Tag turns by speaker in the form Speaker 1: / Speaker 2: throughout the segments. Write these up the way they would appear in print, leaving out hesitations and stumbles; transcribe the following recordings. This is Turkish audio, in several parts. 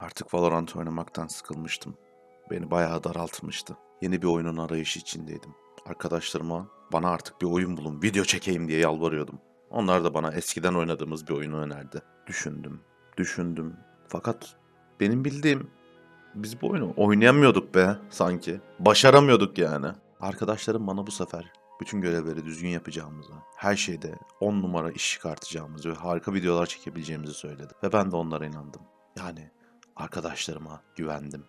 Speaker 1: Artık Valorant oynamaktan sıkılmıştım. Beni bayağı daraltmıştı. Yeni bir oyunun arayışı içindeydim. Arkadaşlarıma bana artık bir oyun bulun, video çekeyim diye yalvarıyordum. Onlar da bana eskiden oynadığımız bir oyunu önerdi. Düşündüm. Fakat benim bildiğim biz bu oyunu oynayamıyorduk be sanki. Başaramıyorduk yani. Arkadaşlarım bana bu sefer bütün görevleri düzgün yapacağımızı, her şeyde 10 numara iş çıkartacağımızı ve harika videolar çekebileceğimizi söyledi. Ve ben de onlara inandım. Yani arkadaşlarıma güvendim.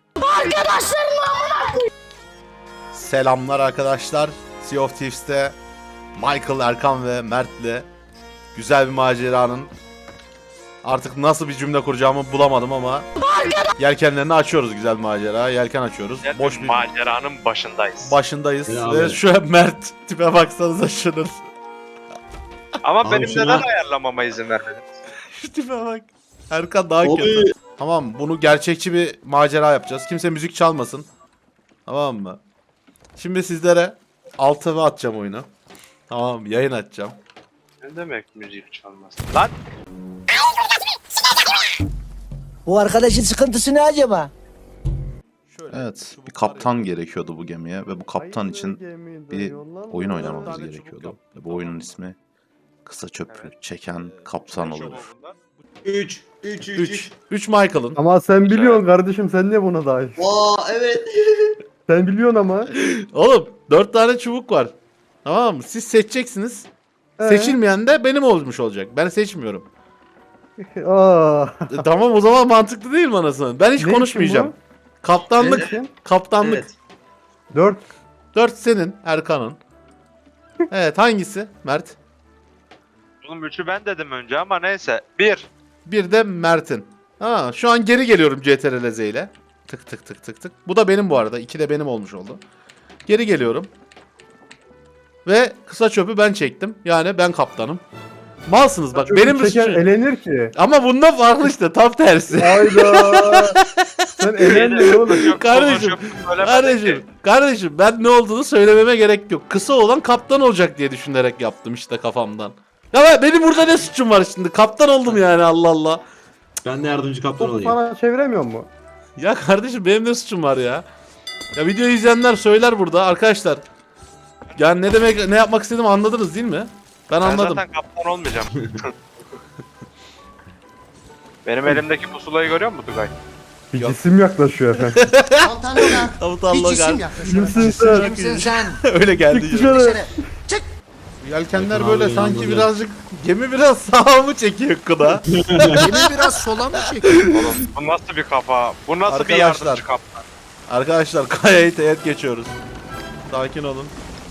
Speaker 1: Selamlar arkadaşlar. Sea of Thieves'te Michael, Erkan ve Mert'le güzel bir maceranın artık nasıl bir cümle kuracağımı bulamadım ama yelkenlerini açıyoruz, güzel bir macera. Yelken açıyoruz.
Speaker 2: Güzel
Speaker 1: Boş
Speaker 2: bir
Speaker 1: bir
Speaker 2: maceranın başındayız.
Speaker 1: başındayız
Speaker 3: Ya
Speaker 1: ve
Speaker 3: abi.
Speaker 1: şu an Mert tipe baksanıza şunun.
Speaker 2: Ama
Speaker 3: Abi
Speaker 2: benim
Speaker 3: şuna-
Speaker 2: neden ayarlamama izin vermedin?
Speaker 1: Şu tipe bak. Erkan daha
Speaker 3: Abi.
Speaker 1: kötü. Tamam, bunu gerçekçi bir macera yapacağız. Kimse müzik çalmasın. Tamam mı? Şimdi sizlere 6 atacağım oyunu. Tamam, yayın açacağım.
Speaker 2: Ne demek müzik çalmaz? Lan
Speaker 4: Bu arkadaşın sıkıntısı ne acaba?
Speaker 1: Evet, bir kaptan gerekiyordu bu gemiye ve bu kaptan için bir oyun oynamamız gerekiyordu. Ve bu oyunun ismi Kısa Çöpü Çeken Kaptan olur.
Speaker 3: 3
Speaker 1: 3 Michael'ın.
Speaker 5: Ama sen biliyorsun kardeşim, sen niye buna dahil?
Speaker 3: Evet.
Speaker 5: Sen biliyorsun ama.
Speaker 1: Oğlum 4 tane çubuk var. Tamam mı? Siz seçeceksiniz. Seçilmeyen de benim olmuş olacak. Ben seçmiyorum.
Speaker 5: Aa.
Speaker 1: Tamam, o zaman mantıklı değil mi anasını? Ben hiç
Speaker 5: Ne
Speaker 1: konuşmayacağım.
Speaker 5: için
Speaker 1: Kaptanlık.
Speaker 5: Kim?
Speaker 1: Kaptanlık.
Speaker 3: Evet.
Speaker 5: 4.
Speaker 1: 4 senin, Erkan'ın. Evet, hangisi? Mert.
Speaker 2: oğlum üçü ben dedim önce ama neyse. Bir.
Speaker 1: Bir de Mert'in. Ha, şu an geri geliyorum CTRL-Z ile. Tık tık tık tık tık. Bu da benim bu arada. 2 de benim olmuş oldu. Geri geliyorum. Ve kısa çöpü ben çektim. Yani ben kaptanım. Malsınız bak, benim
Speaker 5: çeken
Speaker 1: suçum.
Speaker 5: elenir ki.
Speaker 1: Ama bunda farklı işte, tam tersi.
Speaker 5: Hayda. Sen elendin oğlum.
Speaker 1: Kardeşim, kardeşim ben ne olduğunu söylememe gerek yok. Kısa olan kaptan olacak diye düşünerek yaptım işte kafamdan. Ya benim burada ne suçum var şimdi? Kaptan oldum yani, Allah Allah.
Speaker 3: Ben de yardımcı kaptan
Speaker 5: Topu
Speaker 3: olayım.
Speaker 5: sana çeviremiyor mu?
Speaker 1: Ya kardeşim, benim ne suçum var ya? Ya videoyu izleyenler söyler burada arkadaşlar. Yani ne demek, ne yapmak istediğimi anladınız değil mi? Ben
Speaker 2: Ben
Speaker 1: anladım.
Speaker 2: zaten kaptan olmayacağım. Benim elimdeki pusulayı görüyor musun Tugay?
Speaker 5: Bir
Speaker 1: Yok.
Speaker 5: cisim yaklaşıyor efendim.
Speaker 6: Altanına
Speaker 1: Tavut
Speaker 6: bir
Speaker 1: Allah
Speaker 6: cisim
Speaker 1: gel.
Speaker 6: yaklaşıyor.
Speaker 5: Kimsin sen?
Speaker 6: Kimsin sen?
Speaker 1: Öyle geldi.
Speaker 5: Çık
Speaker 1: ya.
Speaker 5: dışarı.
Speaker 6: Dışarı.
Speaker 1: Yelkenler
Speaker 3: Bakın
Speaker 1: böyle
Speaker 3: abi,
Speaker 1: sanki
Speaker 3: inandım ya.
Speaker 1: birazcık, gemi biraz sağa mı çekiyor kıda?
Speaker 6: Gemi biraz sola mı çekiyor?
Speaker 2: Oğlum bu nasıl bir kafa? Bu nasıl bir
Speaker 1: Arkadaşlar.
Speaker 2: yardımcı kaptan?
Speaker 1: Arkadaşlar, kayayı teğet geçiyoruz. Sakin olun.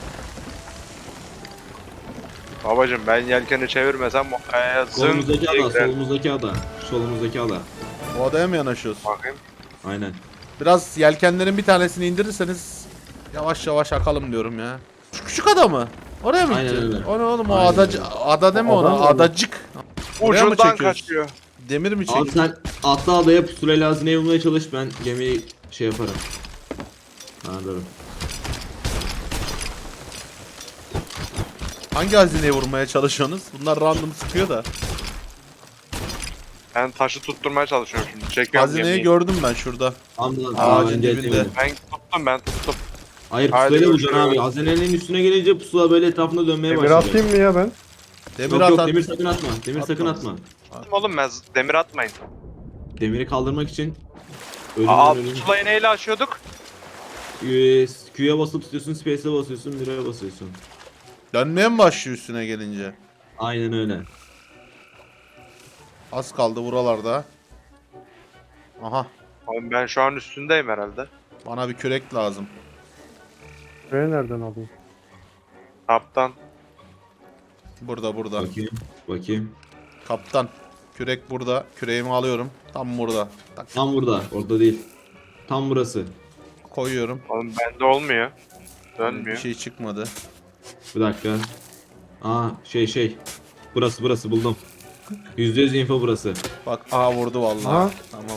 Speaker 2: Babacım ben yelkeni çevirmesem o kayaya zın
Speaker 3: Solumuzdaki
Speaker 2: diye
Speaker 3: ada,
Speaker 2: girer.
Speaker 3: solumuzdaki ada. Solumuzdaki ada.
Speaker 1: O adaya mı yanaşıyoruz?
Speaker 2: Bakayım.
Speaker 3: Aynen.
Speaker 1: Biraz yelkenlerin bir tanesini indirirseniz yavaş yavaş akalım diyorum ya. Şu küçük ada mı? Oraya mı
Speaker 3: Aynen
Speaker 1: gitti?
Speaker 3: öyle.
Speaker 1: O ne oğlum, o
Speaker 3: Aynen
Speaker 1: ada deme
Speaker 5: Ada
Speaker 1: ona,
Speaker 5: mı?
Speaker 1: adacık. Oraya mı
Speaker 2: Ucundan
Speaker 1: çekiyoruz?
Speaker 2: kaçıyor.
Speaker 1: Demir mi
Speaker 3: Abi
Speaker 1: çekiyor?
Speaker 3: sen atla adaya pusulayla hazineyi bulmaya çalış, ben gemiyi şey yaparım. Anladım.
Speaker 1: Hangi hazineye vurmaya çalışıyorsunuz? Bunlar random sıkıyor da.
Speaker 2: Ben taşı tutturmaya çalışıyorum şimdi. Çekiyorum
Speaker 1: Hazineyi
Speaker 2: gemiyi.
Speaker 1: gördüm ben şurada.
Speaker 3: Anladım.
Speaker 1: Ağacın dibinde.
Speaker 2: Ben tuttum.
Speaker 3: Hayır,
Speaker 2: Hadi
Speaker 3: pusulayla vuracaksın
Speaker 2: görüşürüz.
Speaker 3: abi. Hazinenin üstüne gelince pusula böyle etrafında dönmeye
Speaker 5: Demir
Speaker 3: başlayacak.
Speaker 5: atayım mı ya ben?
Speaker 1: Demir
Speaker 3: Yok yok,
Speaker 1: at.
Speaker 3: demir sakın atma. Demir sakın
Speaker 1: Atma.
Speaker 3: atma.
Speaker 2: Oğlum ben demir atmayın.
Speaker 3: Demiri kaldırmak için
Speaker 2: Aa
Speaker 3: ölüm.
Speaker 2: pusulayı neyle açıyorduk?
Speaker 3: Q'ya basıp tutuyorsun, space'e basıyorsun, mirror'a basıyorsun.
Speaker 1: Dönmeye mi başlıyor üstüne gelince?
Speaker 3: Aynen öyle.
Speaker 1: Az kaldı buralarda. Aha,
Speaker 2: Oğlum ben şu an üstündeyim herhalde.
Speaker 1: bana bir kürek lazım.
Speaker 5: Şurayı nereden alayım?
Speaker 2: Kaptan.
Speaker 1: Burada.
Speaker 3: Bakayım. Bakayım.
Speaker 1: Kaptan. Kürek burada. Küreğimi alıyorum. Tam burada. Tak,
Speaker 3: Tam burada. Orada değil. Tam burası.
Speaker 1: koyuyorum.
Speaker 2: Oğlum bende olmuyor.
Speaker 1: Bir
Speaker 2: Dönmüyor.
Speaker 1: şey çıkmadı.
Speaker 3: Bir dakika. Aa şey. Burası buldum. %100 info burası.
Speaker 1: Bak, vurdu vallahi.
Speaker 5: Aha.
Speaker 1: Tamam.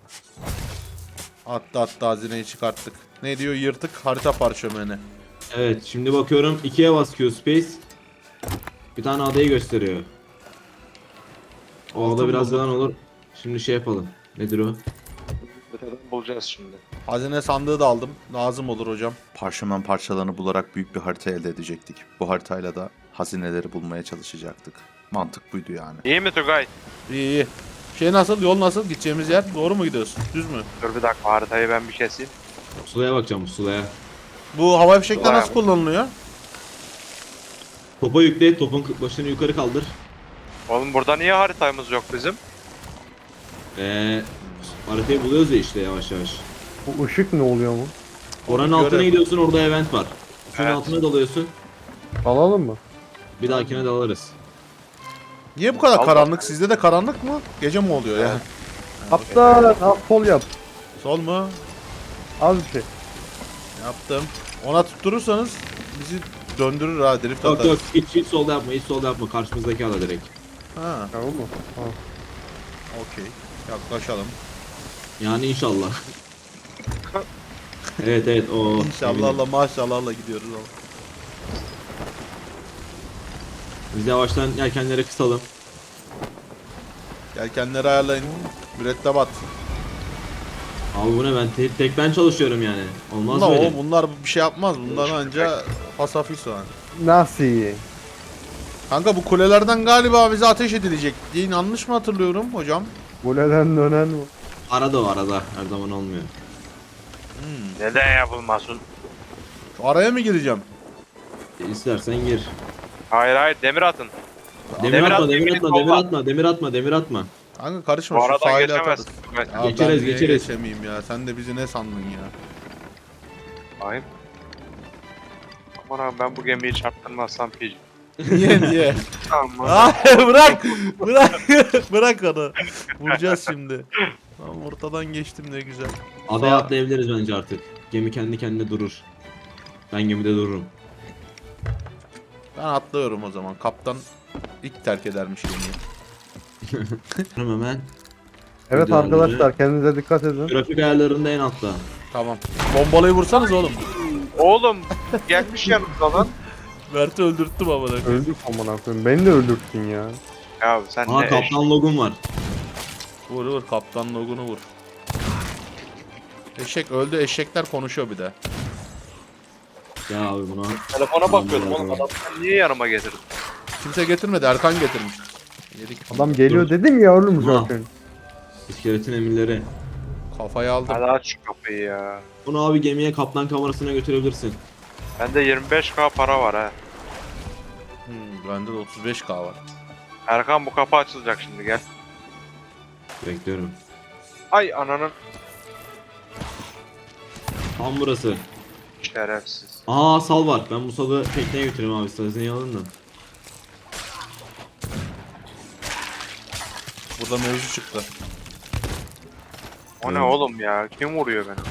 Speaker 1: Attı hazineyi çıkarttık. Ne diyor? Yırtık harita parşömeni.
Speaker 3: Evet, şimdi bakıyorum 2'ye bas Q space. Bir tane adayı gösteriyor. O
Speaker 1: Altın
Speaker 3: ada biraz
Speaker 1: bulduk.
Speaker 3: yalan olur. Şimdi şey yapalım. Nedir o?
Speaker 2: haritadan bulacağız şimdi.
Speaker 1: Hazine sandığı da aldım. Lazım olur hocam. Parşömen parçalarını bularak büyük bir harita elde edecektik. Bu haritayla da hazineleri bulmaya çalışacaktık. Mantık buydu yani.
Speaker 2: İyi mi Tugay?
Speaker 1: İyi iyi. Şey nasıl? Yol nasıl? Gideceğimiz yer? Doğru mu gidiyoruz? Düz mü?
Speaker 2: Dur bir dakika haritayı ben bir keseyim.
Speaker 3: Pusulaya bakacağım pusulaya.
Speaker 1: Bu hava fişekler
Speaker 2: Vay
Speaker 1: nasıl
Speaker 2: be.
Speaker 1: kullanılıyor?
Speaker 3: Topa yükle, topun başını yukarı kaldır.
Speaker 2: Oğlum burada niye haritamız yok bizim?
Speaker 3: Haritayı buluyoruz ya işte yavaş yavaş.
Speaker 5: Bu ışık ne oluyor mu?
Speaker 3: Oranın
Speaker 1: Görev.
Speaker 3: altına gidiyorsun, orada event var. Şunun
Speaker 2: Evet.
Speaker 3: altına dalıyorsun,
Speaker 5: Alalım mı?
Speaker 3: bir dahakine dalarız.
Speaker 1: Niye bu kadar
Speaker 2: Allah.
Speaker 1: karanlık? Sizde de karanlık mı? Gece mi oluyor ya?
Speaker 5: Kaptan al sol yap.
Speaker 1: Sol mu?
Speaker 5: Az bir şey.
Speaker 1: Yaptım. Ona tutturursanız bizi döndürür ha. Drift
Speaker 3: Yok
Speaker 1: atar.
Speaker 3: yok, hiç solda yapma, hiç solda yapma. Karşımızdaki ala direkt.
Speaker 1: Ha,
Speaker 5: Tamam mı? Tamam.
Speaker 1: okey. Yaklaşalım.
Speaker 3: Yani inşallah. Evet evet o.
Speaker 1: İnşallahla maşallahla gidiyoruz ama.
Speaker 3: Biz yavaştan yelkenleri kısalım.
Speaker 1: Yelkenleri ayarlayın. Mürettebat.
Speaker 3: Abi bu ne, ben tek ben çalışıyorum yani. Olmaz
Speaker 1: Bunlar,
Speaker 3: böyle.
Speaker 1: bunlar bir şey yapmaz. Bunlar anca pasafis soğan.
Speaker 5: Nasıl iyi?
Speaker 1: Kanka bu kulelerden galiba bize ateş edilecek diye yanlış mı hatırlıyorum hocam?
Speaker 5: Kuleden dönen mi?
Speaker 3: Arada o arada, her zaman olmuyor.
Speaker 2: Neden yapılmasın?
Speaker 1: Şu araya mı gireceğim?
Speaker 3: İstersen gir.
Speaker 2: Hayır demir atın.
Speaker 3: Demir
Speaker 2: Demir
Speaker 3: atma,
Speaker 2: at,
Speaker 3: demir
Speaker 2: demir
Speaker 3: atma,
Speaker 2: atma.
Speaker 3: demir atma, demir atma, demir atma.
Speaker 1: Kanka karışma
Speaker 2: Bu
Speaker 1: şu
Speaker 2: aradan
Speaker 1: sahile
Speaker 2: geçemezsin.
Speaker 1: atarız.
Speaker 2: Tugay.
Speaker 1: Ya
Speaker 3: Geçeriz,
Speaker 1: ben niye
Speaker 3: geçeriz.
Speaker 1: geçemeyeyim ya? Sen de bizi ne sandın ya?
Speaker 2: Bakayım. Aman abi ben bu gemiyi çarptırmazsam piç.
Speaker 1: Niye?
Speaker 2: Tamam.
Speaker 1: Hayır bırak! Bırak! Bırak onu. Vuracağız şimdi. Tamam ortadan geçtim ne güzel.
Speaker 3: Adaya atlayabiliriz bence artık. Gemi kendi kendine durur. Ben gemide dururum.
Speaker 1: Ben atlıyorum o zaman. Kaptan ilk terk edermiş gemiyi.
Speaker 3: Hemen.
Speaker 5: Evet
Speaker 3: Videoları-
Speaker 5: arkadaşlar kendinize dikkat edin.
Speaker 3: Grafik ayarlarında en altta.
Speaker 1: Tamam. Bombalayı vursanız oğlum.
Speaker 2: Oğlum gelmiş yanımda lan.
Speaker 1: Mert'i öldürttüm ama.
Speaker 5: Öldük amına koyayım. Beni de öldürttün ya.
Speaker 2: Ya sen
Speaker 3: Aa
Speaker 2: ne
Speaker 3: kaptan logum var.
Speaker 1: Vur vur kaptan logunu vur. Eşek öldü, eşekler konuşuyor bir de.
Speaker 3: Ya abi buna.
Speaker 2: telefona bakıyordum
Speaker 3: Tamam,
Speaker 2: oğlum adam sen niye yanıma getirdin?
Speaker 1: Kimse getirmedi, Erkan getirmiş. Yedik.
Speaker 5: Adam geliyor dedim ya oğlum
Speaker 3: Ha.
Speaker 5: zaten.
Speaker 3: İskeletin emirleri.
Speaker 1: Kafayı aldım.
Speaker 2: Hadi aç şu kapıyı ya.
Speaker 3: Bunu abi gemiye kaptan kamerasına götürebilirsin.
Speaker 2: Bende 25k para var ha.
Speaker 1: Bende de 35k var.
Speaker 2: Erkan bu kapı açılacak şimdi gel.
Speaker 3: Bekliyorum.
Speaker 2: Ay ananın
Speaker 3: Tam burası.
Speaker 2: şerefsiz.
Speaker 3: Aa sal var. Ben bu salı tekneye götüreyim abi. Sazını alın da.
Speaker 1: Burada mevzu çıktı.
Speaker 2: O ne oğlum ya? Kim vuruyor beni?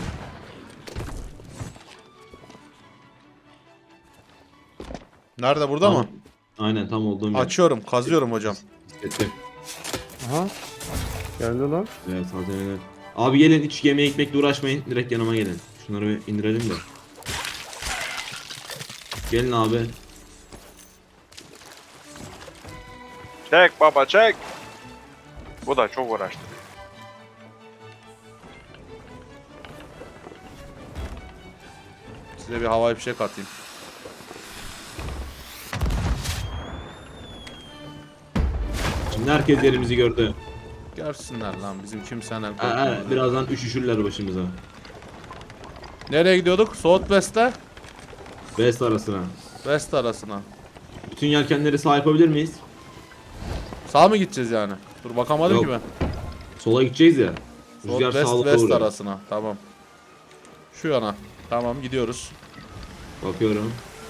Speaker 1: Nerede, burada mı?
Speaker 3: Aynen tam olduğum yer.
Speaker 1: Açıyorum, kazıyorum hocam.
Speaker 3: Bisikletli.
Speaker 5: Aha. Geldi lan.
Speaker 3: Evet hazineler. Abi gelin hiç gemiye gitmekle uğraşmayın. Direkt yanıma gelin. Şunları bir indirelim de. Gelin abi.
Speaker 2: Çek baba çek. Bu da çok uğraştı.
Speaker 1: Size bir havai fişek atayım.
Speaker 3: Şimdi herkes yerimizi gördü.
Speaker 1: Görsünler lan bizim kimseyle korkmuyoruz.
Speaker 3: Birazdan üşüşürler başımıza.
Speaker 1: Nereye gidiyorduk? Southwest'e?
Speaker 3: West arasına.
Speaker 1: West arasına.
Speaker 3: Bütün yelkenleri sağ yapabilir miyiz?
Speaker 1: Sağ mı gideceğiz yani? Dur bakamadım
Speaker 3: Yok.
Speaker 1: ki ben.
Speaker 3: Sola gideceğiz ya. Rüzgar
Speaker 1: Southwest
Speaker 3: sağlıklı
Speaker 1: West
Speaker 3: vuruyor.
Speaker 1: arasına. Tamam. Şu yana. Gidiyoruz.
Speaker 3: Bakıyorum.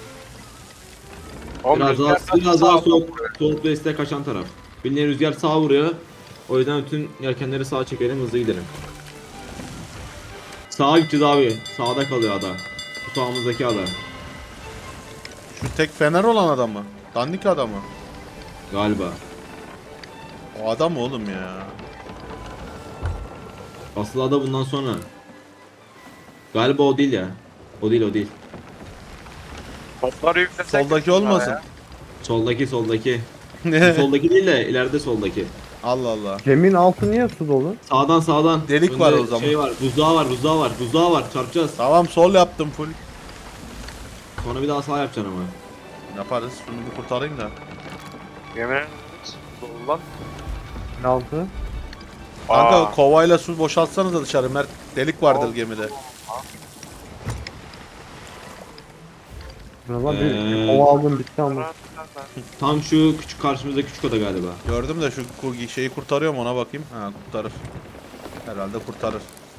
Speaker 2: Oğlum
Speaker 3: Biraz daha,
Speaker 2: rüzgardan
Speaker 3: biraz daha
Speaker 2: sağa
Speaker 3: soğuk,
Speaker 2: vuruyor.
Speaker 3: soğuk West'e kaçan taraf. Bildiğin rüzgar sağa vuruyor. O yüzden bütün yelkenleri sağa çekelim, hızlı gidelim. Sağa gideceğiz abi. Sağda kalıyor ada. Bu sağımızdaki ada.
Speaker 1: Şu tek fener olan adam mı? Dandik adam mı?
Speaker 3: Galiba.
Speaker 1: O adam mı oğlum ya?
Speaker 3: Asıl ada bundan sonra. Galiba o değil ya. O değil.
Speaker 2: Topları yüklesek.
Speaker 1: Soldaki olmasın.
Speaker 2: Ya.
Speaker 3: Soldaki. Bu
Speaker 1: Ne?
Speaker 3: soldaki değil de ileride soldaki.
Speaker 1: Allah Allah.
Speaker 5: Geminin altı niye su dolu?
Speaker 3: Sağdan.
Speaker 1: Delik
Speaker 3: Önde
Speaker 1: var o zaman.
Speaker 3: Şey var, buzdağı var. Çarpacağız.
Speaker 1: Tamam sol yaptım full.
Speaker 3: Sonra bir daha sağ yapacaksın ama.
Speaker 1: Yaparız. Şunu bir kurtarayım da.
Speaker 2: Yemin ederim. Dolu lan.
Speaker 5: Ne altı?
Speaker 1: Kanka
Speaker 2: Aa.
Speaker 1: kovayla su boşaltsanız da dışarı Mert. Delik vardır
Speaker 2: Ol.
Speaker 1: gemide.
Speaker 5: Buna bir
Speaker 3: Ee,
Speaker 5: kova aldım bitti ama.
Speaker 3: Tam şu küçük karşımızda küçük oda galiba.
Speaker 1: Gördüm de şu şeyi kurtarıyor mu ona bakayım. Ha kurtarır. Herhalde kurtarır.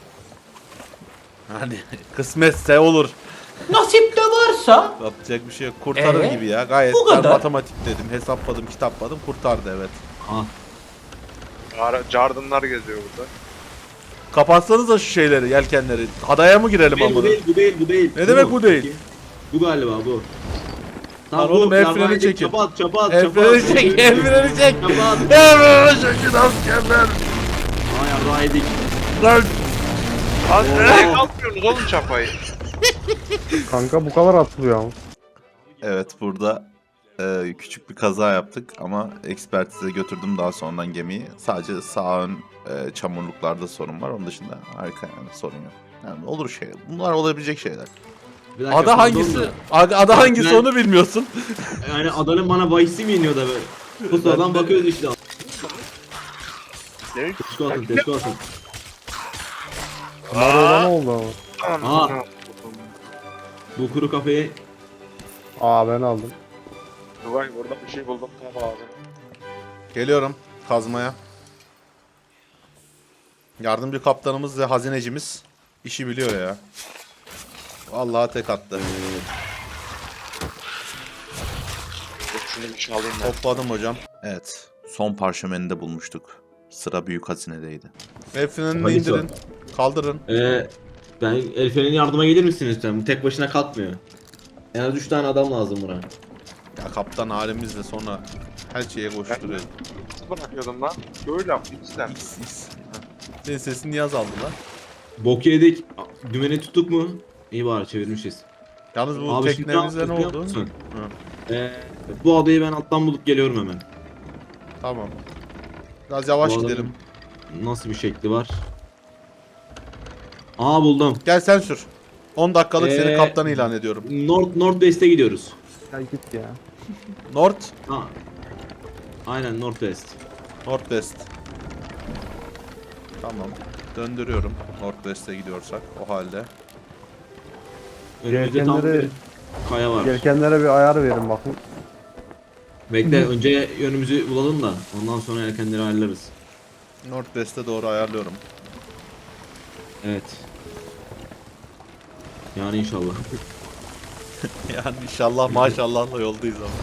Speaker 1: Hani kısmetse olur.
Speaker 4: Nasip de varsa.
Speaker 1: Yapacak bir şey yok. Kurtarır gibi ya. Gayet
Speaker 4: bu
Speaker 1: ben
Speaker 4: kadar.
Speaker 1: matematik dedim. Hesapladım, kitapladım. Kurtardı evet.
Speaker 3: Ah.
Speaker 2: Jardınlar geziyor burada.
Speaker 1: Kapatsanız da şu şeyleri, yelkenleri. Adaya mı girelim
Speaker 3: Bu
Speaker 1: amına?
Speaker 3: değil.
Speaker 1: Ne demek bu değil?
Speaker 3: Bu galiba bu.
Speaker 1: Lan oğlum, el freni
Speaker 3: yarrağı
Speaker 1: çekin.
Speaker 3: Çapa at.
Speaker 1: El freni çek, el freni çek.
Speaker 3: Çapa at.
Speaker 1: El freni çekin askerler.
Speaker 3: Aa yarrağı yedik.
Speaker 1: Lan
Speaker 2: Lan nereye kalkıyorsunuz oğlum çapayı?
Speaker 5: Kanka bu kadar atılıyor ama.
Speaker 1: evet burada küçük bir kaza yaptık ama ekspertize götürdüm daha sonradan gemiyi. Sadece sağ ön çamurluklarda sorun var. Onun dışında arka yani sorun yok. Yani olur şey. Bunlar olabilecek şeyler.
Speaker 3: Bir dakika,
Speaker 1: Ada
Speaker 3: pardon
Speaker 1: hangisi?
Speaker 3: da.
Speaker 1: Ada hangisi
Speaker 3: Ben-
Speaker 1: onu bilmiyorsun.
Speaker 3: Yani adanın bana bahisi mi iniyor da böyle? Pusudan bakıyoruz işte. Teşko atın.
Speaker 5: Bunlar öyle ne oldu ama?
Speaker 3: Aa. Bu kuru kafeyi
Speaker 5: Aa ben aldım.
Speaker 2: Vay burada bir şey buldum tam abi.
Speaker 1: Geliyorum kazmaya. Yardımcı kaptanımız ve hazinecimiz işi biliyor ya. Vallahi tek attı.
Speaker 2: Dur şunu bir çalayım ben.
Speaker 1: Topladım hocam. Evet. Son parşömeni de bulmuştuk. Sıra büyük hazinedeydi. El frenini
Speaker 3: Hangisi
Speaker 1: indirin. Kaldırın.
Speaker 3: ben el frenine yardıma gelir misiniz lütfen? Bu tek başına kalkmıyor. En az 3 tane adam lazım buna.
Speaker 1: Ya kaptan halimizle sonra her şeye koşturuyor.
Speaker 2: Nasıl bırakıyordum lan? Böyle yaptım sen.
Speaker 1: X. Senin sesin niye azaldı lan?
Speaker 3: Bok yedik. Dümeni tuttuk mu? İyi bari çevirmişiz.
Speaker 1: Yalnız bu
Speaker 3: Abi şimdi
Speaker 1: teknemizde ne
Speaker 3: biliyor
Speaker 1: oldu?
Speaker 3: musun?
Speaker 1: Hı.
Speaker 3: Bu adayı ben alttan bulup geliyorum hemen.
Speaker 1: Tamam. Biraz yavaş
Speaker 3: Bu adamın
Speaker 1: gidelim.
Speaker 3: Nasıl bir şekli var? Aa buldum.
Speaker 1: Gel sen sür. 10 dakikalık seni
Speaker 3: Ee,
Speaker 1: kaptan ilan ediyorum.
Speaker 3: Northwest'e gidiyoruz.
Speaker 5: Ya git ya.
Speaker 1: North,
Speaker 3: Ha. Aynen Northwest.
Speaker 1: Northwest. Tamam. Döndürüyorum. Northwest'e gidiyorsak o halde.
Speaker 3: Önümüzde tam
Speaker 5: Yelkenleri-
Speaker 3: bir kaya var.
Speaker 5: Yelkenlere bir ayar verin bakın.
Speaker 3: Bekle önce yönümüzü bulalım da ondan sonra yelkenleri ayarlarız.
Speaker 1: Northwest'e doğru ayarlıyorum.
Speaker 3: Evet. Yani inşallah.
Speaker 1: Yani inşallah maşallahla yoldayız ama.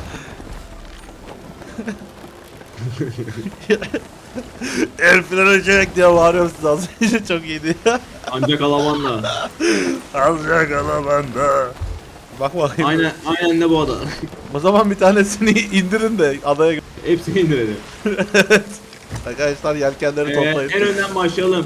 Speaker 1: El freni çek diye bağırıyorum size az önce çok iyiydi ya.
Speaker 3: Ancak alamanla.
Speaker 1: Alacak alamanda. Bak bakayım.
Speaker 3: Aynen de bu ada.
Speaker 1: O zaman bir tanesini indirin de adaya
Speaker 3: Hepsini indirelim.
Speaker 1: arkadaşlar yelkenleri toplayın.
Speaker 3: En önden başlayalım.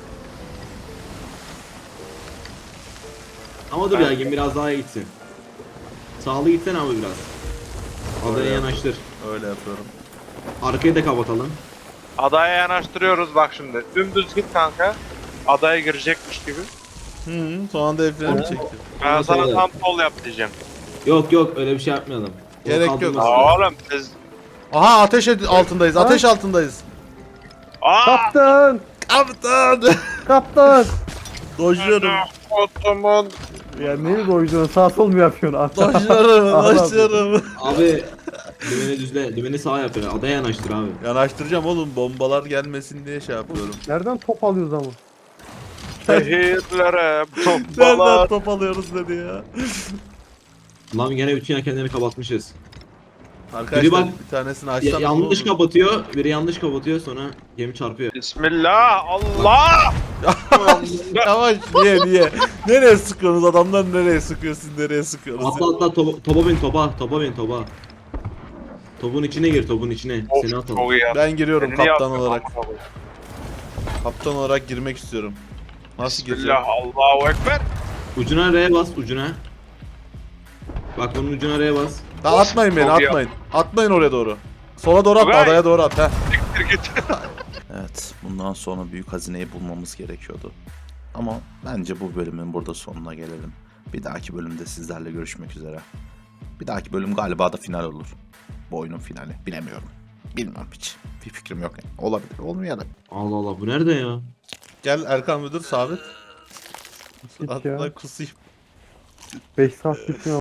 Speaker 3: Ama dur ya gemi biraz daha gitsin. Sağlı gitsen abi biraz. Adaya
Speaker 1: Öyle.
Speaker 3: yanaştır.
Speaker 1: Öyle yapıyorum.
Speaker 3: Arkayı da kapatalım.
Speaker 2: Adaya yanaştırıyoruz bak şimdi. Dümdüz git kanka. Adaya girecekmiş gibi.
Speaker 1: Son anda el freni çektim.
Speaker 2: Ben
Speaker 3: Ondan
Speaker 2: sana
Speaker 3: sonra-
Speaker 2: tam sol yap diyeceğim.
Speaker 3: Yok öyle bir şey yapmayalım. O
Speaker 1: Gerek yok.
Speaker 3: kaldırmasın.
Speaker 2: Aa, oğlum siz...
Speaker 1: Aha altındayız. Ateş altındayız.
Speaker 2: Aa!
Speaker 5: Kaptan!
Speaker 1: Kaptan.
Speaker 5: Kaptan!
Speaker 1: Dojluyorum.
Speaker 2: Otomun.
Speaker 5: Ya neyi koyuyorsun? Sağ sol mu yapıyorsun?
Speaker 1: Dojluyorum.
Speaker 3: Abi dümeni düzle. Dümeni sağa yap ya. Adaya yanaştır abi.
Speaker 1: Yanaştıracağım oğlum. Bombalar gelmesin diye şey yapıyorum.
Speaker 5: Nereden top alıyoruz ama?
Speaker 2: Şehirlere
Speaker 1: Nereden
Speaker 2: topbalar.
Speaker 1: top alıyoruz dedi ya.
Speaker 3: Lan gene bütün yelkenleri kapatmışız.
Speaker 1: Arkadaşlar
Speaker 3: Biri bak-
Speaker 1: bir tanesini açsam
Speaker 3: Yanlış kapatıyor. Biri yanlış kapatıyor sonra gemi çarpıyor.
Speaker 2: Bismillah Allah.
Speaker 1: Yavaş niye? Nereye sıkıyorsunuz? Adamlar nereye sıkıyor? Siz nereye sıkıyorsunuz?
Speaker 3: Atla topa bin topa. Topun içine gir topun içine. Seni
Speaker 2: Of,
Speaker 3: atalım.
Speaker 2: çok iyi ya.
Speaker 1: Ben giriyorum
Speaker 2: Seni
Speaker 1: kaptan
Speaker 2: yaptım,
Speaker 1: olarak.
Speaker 2: Allah Allah.
Speaker 1: Kaptan olarak girmek istiyorum. Nasıl gireceğim?
Speaker 2: Bismillah Allahu Ekber.
Speaker 3: Ucuna R'ye bas ucuna. Bak bunun ucuna R'ye bas.
Speaker 1: Daha atmayın beni
Speaker 2: Çok iyi
Speaker 1: atmayın. Atmayın oraya doğru. Sola doğru at
Speaker 2: Tugay.
Speaker 1: adaya doğru at. Heh.
Speaker 2: siktir git.
Speaker 1: Evet, bundan sonra büyük hazineyi bulmamız gerekiyordu. Ama bence bu bölümün burada sonuna gelelim. Bir dahaki bölümde sizlerle görüşmek üzere. Bir dahaki bölüm galiba da final olur. Bu oyunun finali. Bilemiyorum. Bilmem hiç. Bir fikrim yok. Olabilir, olmayabilir.
Speaker 3: Allah Allah bu nerede ya?
Speaker 1: Gel Erkan Müdür sabit.
Speaker 5: Git ya.
Speaker 1: Hatta kusayım.
Speaker 5: 5 saat gitmiyor.